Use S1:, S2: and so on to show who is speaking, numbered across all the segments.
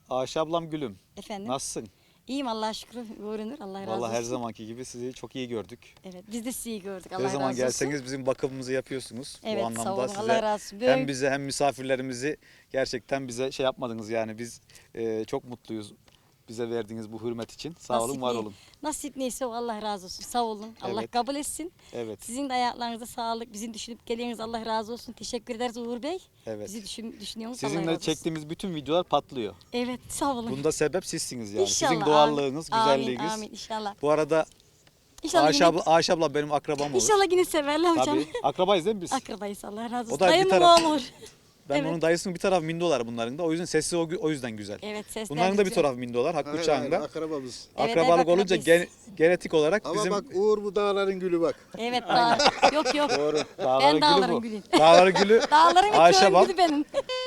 S1: Ayşe ablam gülüm.
S2: Efendim?
S1: Nasılsın?
S2: İyiyim Allah'a şükür. Görünür. Allah razı olsun.
S1: Vallahi her zamanki gibi sizi çok iyi gördük.
S2: Evet biz de sizi iyi gördük. Allah
S1: Ne
S2: razı
S1: zaman
S2: olsun.
S1: gelseniz bizim bakımımızı yapıyorsunuz.
S2: Evet,
S1: Bu anlamda
S2: sağ olun.
S1: size
S2: Allah razı olsun.
S1: hem bize hem misafirlerimizi gerçekten bize şey yapmadınız yani biz çok mutluyuz. Bize verdiğiniz bu hürmet için. Sağ olun, var olun.
S2: Nasip neyse o Allah razı olsun. Sağ olun. Allah
S1: Evet.
S2: kabul etsin.
S1: Evet.
S2: Sizin de ayaklarınıza sağlık. Bizim düşünüp geliyorsunuz. Allah razı olsun. Teşekkür ederiz Uğur Bey.
S1: Evet.
S2: Bizi düşünüyorsunuz. Allah razı
S1: Sizinle
S2: olsun.
S1: çektiğimiz bütün videolar patlıyor.
S2: Evet sağ olun.
S1: Bunda sebep sizsiniz yani.
S2: İnşallah.
S1: Sizin doğallığınız,
S2: Amin,
S1: güzelliğiniz.
S2: Amin inşallah.
S1: Bu arada
S2: İnşallah
S1: Ayşe abla benim akrabam olur.
S2: İnşallah yine severler hocam.
S1: Tabii. Akrabayız değil mi biz?
S2: Akrabayız Allah razı olsun.
S1: O da bir
S2: Dayımın
S1: taraf-
S2: oğlu olur.
S1: Ben
S2: Evet.
S1: onun dayısının bir tarafı mindolar bunların da. O yüzden sesi o yüzden güzel.
S2: Evet sesler
S1: Bunların da bir
S2: güzel.
S1: tarafı mindolar. Hakkı
S3: Hayır,
S1: Uçağı'nda.
S3: akrabamız.
S2: Evet,
S1: Akrabalık
S2: evet,
S1: olunca
S2: akrabayız.
S1: genetik olarak
S3: Ama
S1: bizim
S3: bak Uğur bu dağların gülü bak.
S2: Evet yok yok.
S1: doğru.
S2: Ben
S1: Dağların
S2: dağların
S1: gülü bu.
S2: gülüyüm.
S1: Dağların gülü.
S2: Dağların ve
S1: Ayşe
S2: köyün
S1: bak.
S2: gülü benim.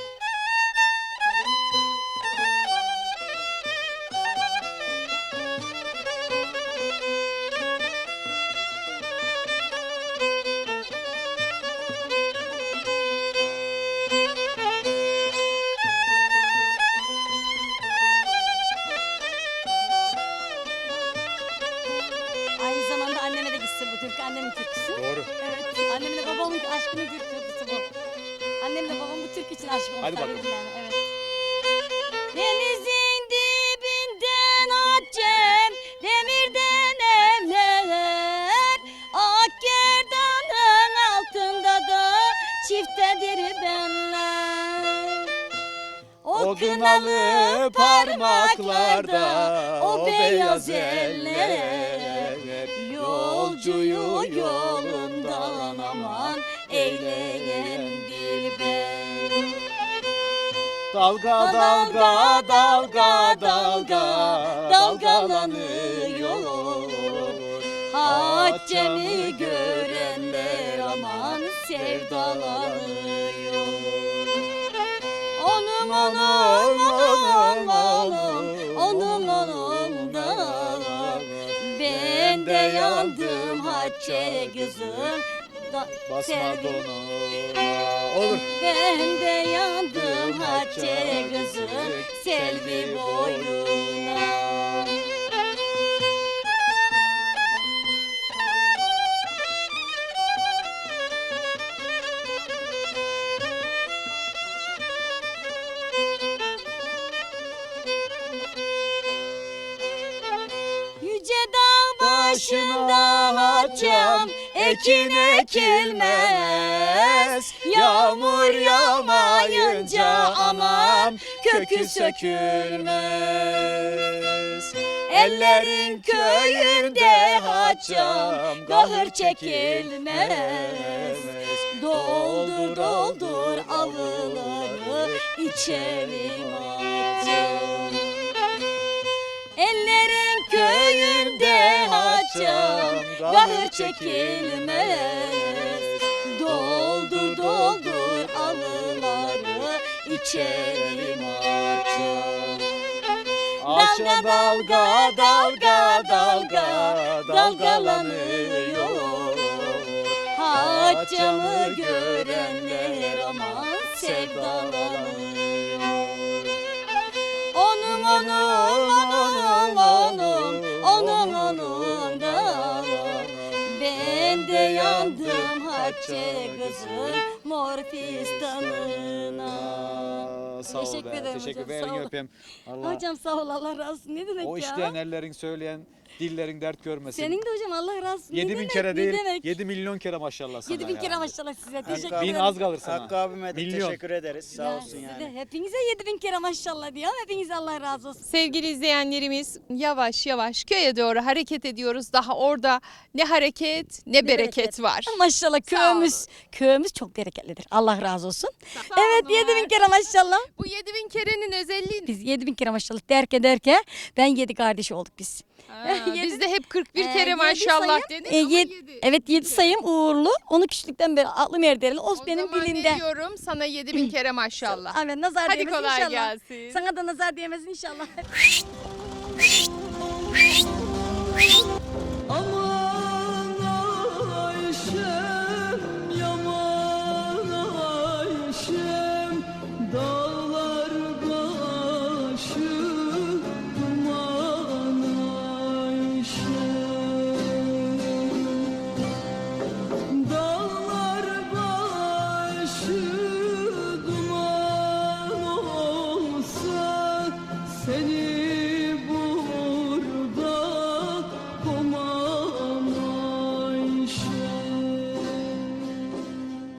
S2: Aynı zamanda anneme de gitsin bu türkü. Annemin türküsü.
S1: Doğru.
S2: Evet. Annemle babamın aşkını türküsü bu. Annemle babam bu türkü için aşık olmuşlar
S1: Hadi bakalım.
S2: birbirlerine. Evet. Denizin dibinden atcem, demirden evler. Akgerdanın altında da çiftedir benler.
S1: O kınalı parmaklarda o beyaz eller yolcuyu yolundan aman eyleyen dilber. Dalga dalga dalga dalga dalgalanıyor.
S2: Haccemi görenler aman sevdalanıyor. Onun da ben de yandım hacce kızım.
S1: Basma
S2: Sevdim.
S1: dona. Olur.
S2: Ben de yandım hacce kızım selvi boyuna. Yüce dağ başında haccam ekin ekilmez. Yağmur yağmayınca aman kökü sökülmez. Ellerin köyünde haccam kahır çekilmez. Doldur doldur avluları içelim haccam. Ellerin köyünde haccam kahır çekilmez. Doldur doldur avluları içelim haccam. Dalga dalga dalga dalga dalgalanıyor. Haccamı görenler aman sevdalanıyor. Onun da ben de yandım hacce kızım mor fistanına.
S1: Sağ ol
S2: Teşekkür
S1: be.
S2: ederim
S1: Teşekkür
S2: hocam,
S1: ederim.
S2: sağ ol.
S1: Öpeyim. Allah
S2: Hocam sağ ol Allah razı olsun. Ne demek
S1: o
S2: ya?
S1: işleyen ellerin söyleyen dillerin dert görmesin.
S2: Senin de hocam Allah razı olsun.
S1: 7.000
S2: demek,
S1: kere
S2: ne
S1: değil,
S2: demek?
S1: 7 milyon kere maşallah sana
S2: 7.000 kere
S1: ya.
S2: maşallah size. Teşekkür
S3: Hakkı
S1: Bin
S2: ederim.
S1: az kalır sana.
S3: Hakkı abime de
S1: Milyon.
S3: teşekkür ederiz. Sağ
S2: Ya
S3: olsun
S2: size
S3: yani.
S2: de hepinize 7.000 kere maşallah diyor. Hepinize Allah razı olsun.
S4: Sevgili izleyenlerimiz yavaş yavaş köye doğru hareket ediyoruz. Daha orada ne hareket ne bereket var.
S2: Maşallah
S4: Sağ olun.
S2: köyümüz çok bereketlidir. Allah razı olsun.
S4: Sağ
S2: Evet
S4: olun.
S2: 7.000 kere maşallah.
S4: Bu 7.000 kerenin özelliği ne?
S2: Biz 7.000 kere maşallah derken ben 7 kardeş olduk biz. Yedi-
S4: Biz de hep 41
S2: Ee,
S4: kere
S2: yedi
S4: maşallah
S2: sayım,
S4: dedik
S2: e,
S4: ama
S2: yed-
S4: 7.
S2: Evet 7 sayım uğurlu. Onu küçüklükten beri aklım erdirili. O
S4: O
S2: benim
S4: zaman
S2: dilimde.
S4: ne diyorum sana 7.000 kere maşallah.
S2: Amin nazar
S4: Hadi
S2: değmesin
S4: kolay
S2: inşallah.
S4: gelsin.
S2: Sana da nazar değmesin inşallah.
S5: Aman